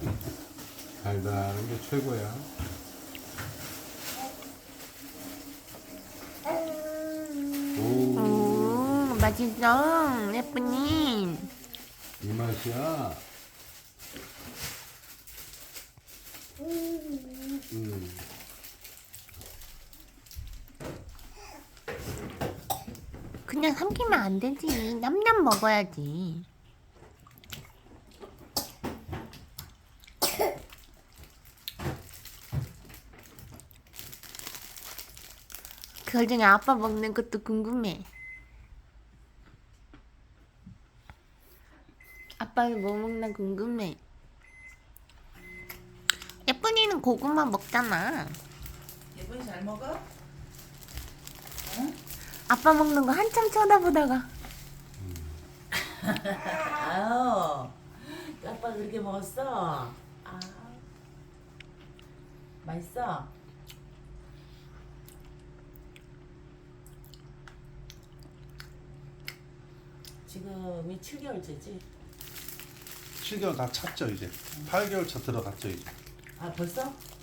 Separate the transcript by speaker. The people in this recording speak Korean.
Speaker 1: 달달한 게 최고야. 오,
Speaker 2: 맛있어. 예쁘니?
Speaker 1: 이 맛이야.
Speaker 2: 그냥 삼키면 안 되지. 냠냠 먹어야지. 그 중에 아빠 먹는 것도 궁금해. 아빠는 뭐 먹나 궁금해. 예쁜이는 고구마 먹잖아.
Speaker 3: 예쁜이 잘 먹어? 응?
Speaker 2: 아빠 먹는 거 한참 쳐다보다가
Speaker 3: 아유, 아빠 그렇게 먹었어? 아, 맛있어? 지금이 7개월째지?
Speaker 4: 7개월 다 찼죠 이제. 8개월 차 들어갔죠 이제.
Speaker 3: 아 벌써?